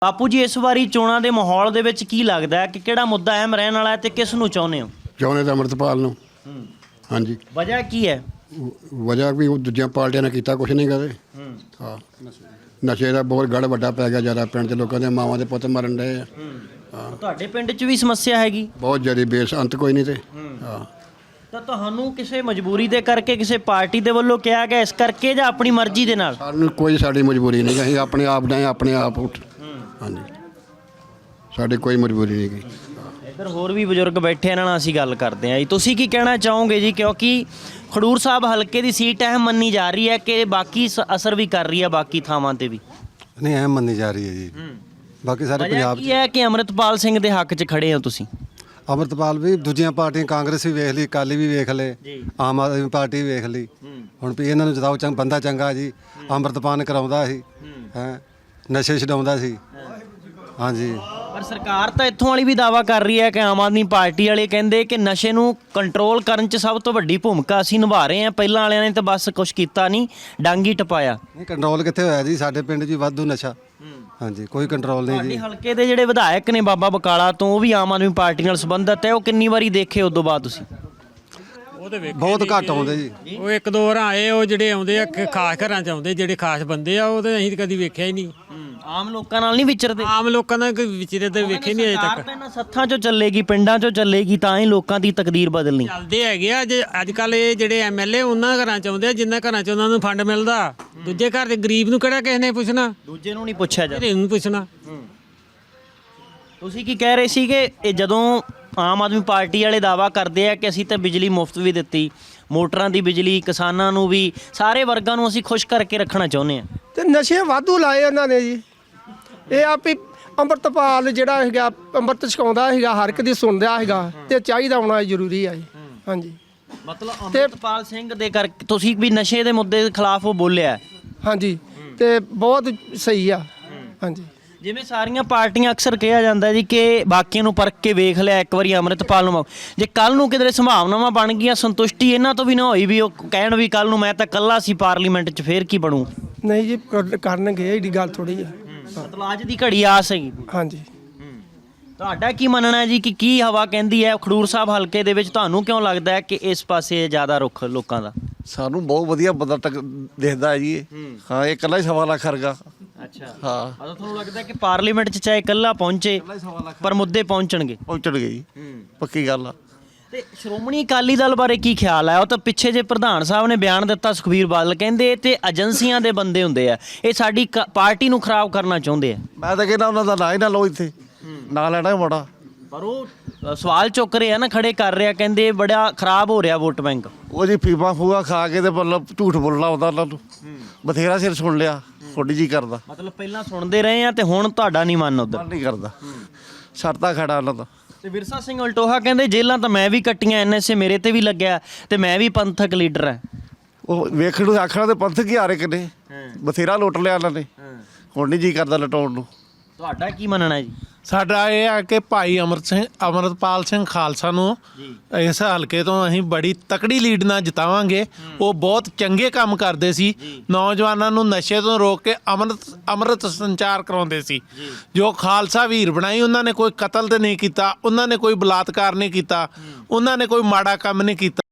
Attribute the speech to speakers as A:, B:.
A: ਬਾਪੂ ਜੀ ਇਸ ਵਾਰੀ ਚੋਣਾਂ ਦੇ ਮਾਹੌਲ ਦੇ ਵਿੱਚ ਕੀ ਲੱਗਦਾ ਹੈ ਕਿ ਕਿਹੜਾ ਮੁੱਦਾ ਅਹਿਮ ਰਹਿਣ ਵਾਲਾ ਹੈ ਤੇ ਕਿਸ ਨੂੰ ਚਾਹੁੰਦੇ ਹੋ?
B: ਚਾਹੁੰਦੇ ਤਾਂ ਅੰਮ੍ਰਿਤਪਾਲ ਨੂੰ। ਹਾਂਜੀ।
A: ਵਜ੍ਹਾ ਕੀ ਹੈ?
B: ਵਜ੍ਹਾ ਵੀ ਉਹ ਦੂਜੀਆਂ ਪਾਰਟੀਆਂ ਨੇ ਕੀਤਾ ਕੁਛ ਨਹੀਂ ਕਦੇ। ਹਾਂ, ਨਸ਼ੇ ਦਾ ਬਹੁਤ ਗੜ ਵੱਡਾ ਪੈ ਗਿਆ ਜ਼ਿਆਦਾ ਪਿੰਡ 'ਚ, ਲੋਕਾਂ ਦੇ ਮਾਵਾਂ ਦੇ ਪੁੱਤ ਮਰਨ ਡਏ ਆ। ਹਾਂ,
A: ਤੁਹਾਡੇ ਪਿੰਡ 'ਚ ਵੀ ਸਮੱਸਿਆ ਹੈਗੀ?
B: ਬਹੁਤ ਜ਼ਿਆਦਾ ਬੇਸ ਅੰਤ ਕੋਈ ਨਹੀਂ ਤੇ। ਹਾਂ,
A: ਤਾਂ ਤੁਹਾਨੂੰ ਕਿਸੇ ਮਜਬੂਰੀ ਦੇ ਕਰਕੇ ਕਿਸੇ ਪਾਰਟੀ ਦੇ ਵੱਲੋਂ ਕਿਹਾ ਗਿਆ ਇਸ ਕਰਕੇ ਜਾਂ ਆਪਣੀ ਮਰਜ਼ੀ ਦੇ ਨਾਲ?
B: ਸਾਨੂੰ ਕੋਈ ਸਾਡੀ ਮਜਬੂਰੀ ਨਹੀਂ, ਅਸੀਂ ਆਪਣੇ ਆਪ ਡਏ ਆਪਣੇ ਆਪ ਉੱਠ। ਹਾਂਜੀ, ਸਾਡੀ ਕੋਈ ਮਜਬੂਰੀ ਨਹੀਂ ਗਈ।
A: ਇੱਧਰ ਹੋਰ ਵੀ ਬਜ਼ੁਰਗ ਬੈਠੇ, ਇਹਨਾਂ ਨਾਲ ਅਸੀਂ ਗੱਲ ਕਰਦੇ ਹਾਂ ਜੀ। ਤੁਸੀਂ ਕੀ ਕਹਿਣਾ ਚਾਹੋਗੇ ਜੀ, ਕਿਉਂਕਿ ਖਡੂਰ ਸਾਹਿਬ ਹਲਕੇ ਦੀ ਸੀਟ ਅਹਿਮ ਮੰਨੀ ਜਾ ਰਹੀ ਹੈ ਕਿ ਬਾਕੀ ਅਸਰ ਵੀ ਕਰ ਰਹੀ ਹੈ ਬਾਕੀ ਥਾਵਾਂ ਤੇ ਵੀ?
C: ਨਹੀਂ, ਅਹਿਮ ਮੰਨੀ ਜਾ ਰਹੀ ਹੈ ਜੀ। ਬਾਕੀ ਸਾਰੇ ਪੰਜਾਬ 'ਚ
A: ਕੀ ਹੈ ਕਿ ਅੰਮ੍ਰਿਤਪਾਲ ਸਿੰਘ ਦੇ ਹੱਕ 'ਚ ਖੜੇ ਹੋ ਤੁਸੀਂ?
C: ਅੰਮ੍ਰਿਤਪਾਲ ਵੀ ਦੂਜੀਆਂ ਪਾਰਟੀਆਂ, ਕਾਂਗਰਸ ਵੀ ਵੇਖ ਲਈ, ਅਕਾਲੀ ਵੀ ਵੇਖ ਲਏ, ਆਮ ਆਦਮੀ ਪਾਰਟੀ ਵੀ ਵੇਖ ਲਈ। ਹੁਣ ਵੀ ਇਹਨਾਂ ਨੂੰ ਜਿਤਾਓ, ਬੰਦਾ ਚੰਗਾ ਜੀ, ਅੰਮ੍ਰਿਤਪਾਨ ਕਰਾਉਂਦਾ ਸੀ, ਹੈ ਨਸ਼ੇ ਛਡਾਉਂਦਾ ਸੀ। ਹਾਂਜੀ,
A: ਪਰ ਸਰਕਾਰ ਤਾਂ ਇੱਥੋਂ ਵਾਲੀ ਵੀ ਦਾਅਵਾ ਕਰ ਰਹੀ ਹੈ ਕਿ ਆਮ ਆਦਮੀ ਪਾਰਟੀ ਵਾਲੇ ਕਹਿੰਦੇ ਕਿ ਨਸ਼ੇ ਨੂੰ ਕੰਟਰੋਲ ਕਰਨ 'ਚ ਸਭ ਤੋਂ ਵੱਡੀ ਭੂਮਿਕਾ ਅਸੀਂ ਨਿਭਾ ਰਹੇ ਹਾਂ, ਪਹਿਲਾਂ ਵਾਲਿਆਂ ਨੇ ਤਾਂ ਬਸ ਕੁਝ ਕੀਤਾ ਨਹੀਂ, ਡੰਗ ਹੀ ਟਪਾਇਆ।
C: ਨਹੀਂ ਕੰਟਰੋਲ ਕਿੱਥੇ ਹੋਇਆ ਜੀ? ਸਾਡੇ ਪਿੰਡ 'ਚ ਵੀ ਵਾਧੂ ਨਸ਼ਾ। ਹਾਂਜੀ, ਕੋਈ ਕੰਟਰੋਲ ਨਹੀਂ ਜੀ।
A: ਹਲਕੇ ਦੇ ਜਿਹੜੇ ਵਿਧਾਇਕ ਨੇ ਬਾਬਾ ਬਕਾਲਾ ਤੋਂ, ਉਹ ਵੀ ਆਮ ਆਦਮੀ ਪਾਰਟੀ ਨਾਲ ਸੰਬੰਧਿਤ ਹੈ, ਉਹ ਕਿੰਨੀ ਵਾਰੀ ਦੇਖੇ ਉਦੋਂ ਬਾਅਦ ਤੁਸੀਂ?
D: ਉਹ ਤੇ ਵੇਖੇ
C: ਬਹੁਤ ਘੱਟ ਆਉਂਦੇ ਜੀ।
D: ਉਹ ਇੱਕ ਦੋ ਵਾਰ ਆਏ, ਉਹ ਜਿਹੜੇ ਆਉਂਦੇ ਆ ਖਾਸ ਘਰਾਂ 'ਚ ਆਉਂਦੇ, ਜਿਹੜੇ ਖਾਸ ਬੰਦੇ ਆ, ਉਹ ਤੇ ਅਸੀਂ ਕਦੀ ਵੇਖਿਆ ਹੀ ਨਹੀਂ।
A: ਆਮ ਲੋਕਾਂ ਨਾਲ ਨਹੀਂ ਵਿਚਰਦੇ?
D: ਆਮ ਲੋਕਾਂ ਦਾ ਕੋਈ ਵਿਚਰੇ ਤੇ ਵੇਖੇ ਨਹੀਂ ਅਜੇ ਤੱਕ।
A: ਇਹਨਾਂ ਸੱਥਾਂ 'ਚੋਂ ਚੱਲੇਗੀ, ਪਿੰਡਾਂ 'ਚੋਂ ਚੱਲੇਗੀ, ਤਾਂ ਹੀ ਲੋਕਾਂ ਦੀ ਤਕਦੀਰ ਬਦਲਣੀ।
D: ਚੱਲਦੇ ਹੈਗੇ ਆ ਜੇ ਅੱਜ ਕੱਲ ਇਹ ਜਿਹੜੇ ਐਮਐਲਏ ਉਹਨਾਂ ਘਰਾਂ 'ਚ ਆਉਂਦੇ ਆ ਜਿੰਨਾ ਘਰਾਂ 'ਚ ਉਹਨਾਂ ਨੂੰ ਫੰਡ ਮਿਲਦਾ। ਦੂਜੇ ਘਰ ਦੇ ਗਰੀਬ ਨੂੰ ਕਿਹੜਾ ਕਿਸੇ ਨੇ ਪੁੱਛਣਾ?
A: ਦੂਜੇ ਨੂੰ ਨਹੀਂ ਪੁੱਛਿਆ ਜਾਂਦਾ।
D: ਇਹਨੂੰ ਪੁੱਛਣਾ।
A: ਤੁਸੀਂ ਕੀ ਕਹਿ ਰਹੇ ਸੀ ਕਿ ਇਹ ਜਦੋਂ ਆਮ ਆਦਮੀ ਪਾਰਟੀ ਵਾਲੇ ਦਾਅਵਾ ਕਰਦੇ ਆ ਕਿ ਅਸੀਂ ਤਾਂ ਬਿਜਲੀ ਮੁਫਤ ਵੀ ਦਿੱਤੀ, ਮੋਟਰਾਂ ਦੀ ਬਿਜਲੀ, ਕਿਸਾਨਾਂ ਨੂੰ ਵੀ, ਸਾਰੇ ਵਰਗਾਂ ਨੂੰ ਅਸੀਂ ਖੁਸ਼ ਕਰਕੇ ਰੱਖਣਾ ਚਾਹੁੰਦੇ ਆ,
E: ਤੇ ਨਸ਼ੇ ਵਾਧੂ ਲਾਏ ਉਹਨਾਂ ਨੇ ਜੀ। ਇਹ ਆ ਵੀ ਅੰਮ੍ਰਿਤਪਾਲ ਜਿਹੜਾ ਹੈਗਾ ਅੰਮ੍ਰਿਤ ਛਕਾਉਂਦਾ ਹੈਗਾ, ਹਰ ਇੱਕ ਦੀ ਸੁਣਦਾ ਹੈਗਾ, ਤੇ ਚਾਹੀਦਾ ਹੋਣਾ ਜ਼ਰੂਰੀ ਆ ਜੀ। ਹਾਂਜੀ,
A: ਮਤਲਬ ਅੰਮ੍ਰਿਤਪਾਲ ਸਿੰਘ ਦੇ ਕਰਕੇ ਤੁਸੀਂ ਵੀ ਨਸ਼ੇ ਦੇ ਮੁੱਦੇ ਦੇ ਖਿਲਾਫ ਉਹ ਬੋਲਿਆ?
E: ਹਾਂਜੀ, ਤੇ ਬਹੁਤ ਸਹੀ ਆ। ਹਾਂਜੀ,
A: ਜਿਵੇਂ ਸਾਰੀਆਂ ਪਾਰਟੀਆਂ ਅਕਸਰ ਕਿਹਾ ਜਾਂਦਾ ਜੀ ਕਿ ਬਾਕੀਆਂ ਨੂੰ ਪਰਖ ਕੇ ਵੇਖ ਲਿਆ, ਇੱਕ ਵਾਰੀ ਅੰਮ੍ਰਿਤਪਾਲ ਨੂੰ ਜੇ ਕੱਲ ਨੂੰ ਕਿਧਰੇ ਸੰਭਾਵਨਾਵਾਂ ਬਣ ਗਈਆਂ, ਸੰਤੁਸ਼ਟੀ ਇਹਨਾਂ ਤੋਂ ਵੀ ਨਾ ਹੋਈ ਵੀ ਉਹ ਕਹਿਣ ਵੀ ਕੱਲ ਨੂੰ ਮੈਂ ਤਾਂ ਇਕੱਲਾ ਸੀ ਪਾਰਲੀਮੈਂਟ 'ਚ, ਫੇਰ ਕੀ ਬਣੂ?
E: ਨਹੀਂ ਜੀ, ਕਰਨਗੇ, ਇਹਦੀ ਗੱਲ ਥੋੜੀ ਆ।
A: ਮਤਲਬ ਅੱਜ ਦੀ ਘੜੀ ਆਸ ਹੈਗੀ।
E: ਹਾਂਜੀ,
A: ਤੁਹਾਡਾ ਕੀ ਮੰਨਣਾ ਹੈ ਜੀ ਕਿ ਕੀ ਹਵਾ ਕਹਿੰਦੀ ਹੈ ਖਡੂਰ ਸਾਹਿਬ ਹਲਕੇ ਦੇ ਵਿੱਚ? ਤੁਹਾਨੂੰ ਕਿਉਂ ਲੱਗਦਾ ਹੈ ਕਿ ਇਸ ਪਾਸੇ ਜ਼ਿਆਦਾ ਰੁੱਖ ਲੋਕਾਂ ਦਾ?
F: ਸਾਨੂੰ ਬਹੁਤ ਵਧੀਆ ਬੰਦਾ ਦਿਖਦਾ ਹੈ ਜੀ ਇਹ। ਹਾਂ, ਇਹ ਇਕੱਲਾ ਹੀ 1.25 ਲੱਖ ਵਰਗਾ।
A: ਅੱਛਾ,
F: ਹਾਂ,
A: ਮਤਲਬ ਤੁਹਾਨੂੰ ਲੱਗਦਾ ਕਿ ਪਾਰਲੀਮੈਂਟ 'ਚ ਚਾਹੇ ਇਕੱਲਾ ਪਹੁੰਚੇ ਪਰ ਮੁੱਦੇ ਪਹੁੰਚਣਗੇ?
F: ਪਹੁੰਚਣਗੇ ਜੀ, ਪੱਕੀ ਗੱਲ ਆ।
A: ਤੇ ਸ਼੍ਰੋਮਣੀ ਅਕਾਲੀ ਦਲ ਬਾਰੇ ਕੀ ਖਿਆਲ ਹੈ? ਉਹ ਤਾਂ ਪਿੱਛੇ ਜੇ ਪ੍ਰਧਾਨ ਸਾਹਿਬ ਨੇ ਬਿਆਨ ਦਿੱਤਾ, ਸੁਖਬੀਰ ਬਾਦਲ ਕਹਿੰਦੇ ਤੇ ਏਜੰਸੀਆਂ ਦੇ ਬੰਦੇ ਹੁੰਦੇ ਆ, ਇਹ ਸਾਡੀ ਪਾਰਟੀ ਨੂੰ ਖਰਾਬ ਕਰਨਾ ਚਾਹੁੰਦੇ ਆ।
F: ਮੈਂ ਤਾਂ ਕਹਿੰਦਾ ਉਹਨਾਂ ਦਾ ਨਾਂ ਹੀ ਨਾ ਲਓ ਇੱਥੇ, ਨਾ ਲੈਣਾ ਮਾੜਾ।
A: ਪਰ ਉਹ ਸਵਾਲ ਚੁੱਕ ਰਹੇ ਆ ਨਾ, ਖੜੇ ਕਰ ਰਿਹਾ, ਕਹਿੰਦੇ ਬੜਾ ਖਰਾਬ ਹੋ ਰਿਹਾ ਵੋਟ ਬੈਂਕ।
F: ਉਹ ਜੀ ਫੀਮਾ ਫੂਆ ਖਾ ਕੇ ਤੇ ਮਤਲਬ ਝੂਠ ਬੋਲਣਾ ਆਉਂਦਾ ਉਹਨਾਂ ਨੂੰ। ਬਥੇਰਾ ਸਿਰ ਸੁਣ ਲਿਆ, ਥੋੜੀ ਜੀ ਕਰਦਾ।
A: ਮਤਲਬ ਪਹਿਲਾਂ ਸੁਣਦੇ ਰਹੇ ਆ ਤੇ ਹੁਣ ਤੁਹਾਡਾ ਨਹੀਂ ਮਨ ਉਧਰ?
F: ਮਨ ਨਹੀਂ ਕਰਦਾ, ਛੱਡਦਾ ਖੜਾ ਉਹਨਾਂ ਦਾ।
A: ਤੇ ਵਿਰਸਾ ਸਿੰਘ ਵਲਟੋਹਾ ਕਹਿੰਦੇ ਜੇਲਾਂ ਤਾਂ ਮੈਂ ਵੀ ਕੱਟੀਆਂ, ਐਨਐਸਏ ਮੇਰੇ ਤੇ ਵੀ ਲੱਗਿਆ ਤੇ ਮੈਂ ਵੀ ਪੰਥਕ ਲੀਡਰ ਹੈ।
F: ਉਹ ਵੇਖਣ ਨੂੰ ਆਖਣਾ ਤੇ ਪੰਥ ਕੀ ਹਾਰੇ ਕਿਨੇ, ਬਥੇਰਾ ਲੁੱਟ ਲਿਆ ਉਹਨਾਂ ਨੇ, ਹੁਣ ਨਹੀਂ ਜੀ ਕਰਦਾ ਲਟਾਉਣ ਨੂੰ।
A: ਤੁਹਾਡਾ ਕੀ ਮੰਨਣਾ ਜੀ?
G: ਸਾਡਾ ਇਹ ਆ ਕਿ ਭਾਈ ਅੰਮ੍ਰਿਤਪਾਲ ਸਿੰਘ ਖਾਲਸਾ ਨੂੰ ਇਸ ਹਲਕੇ ਤੋਂ ਅਸੀਂ ਬੜੀ ਤਕੜੀ ਲੀਡ ਨਾਲ ਜਿਤਾਵਾਂਗੇ। ਉਹ ਬਹੁਤ ਚੰਗੇ ਕੰਮ ਕਰਦੇ ਸੀ, ਨੌਜਵਾਨਾਂ ਨੂੰ ਨਸ਼ੇ ਤੋਂ ਰੋਕ ਕੇ ਅੰਮ੍ਰਿਤ ਸੰਚਾਰ ਕਰਾਉਂਦੇ ਸੀ। ਜੋ ਖਾਲਸਾ ਵੀਰ ਬਣਾਈ, ਉਹਨਾਂ ਨੇ ਕੋਈ ਕਤਲ ਤੇ ਨਹੀਂ ਕੀਤਾ, ਉਹਨਾਂ ਨੇ ਕੋਈ ਬਲਾਤਕਾਰ ਨਹੀਂ ਕੀਤਾ, ਉਹਨਾਂ ਨੇ ਕੋਈ ਮਾੜਾ ਕੰਮ ਨਹੀਂ ਕੀਤਾ।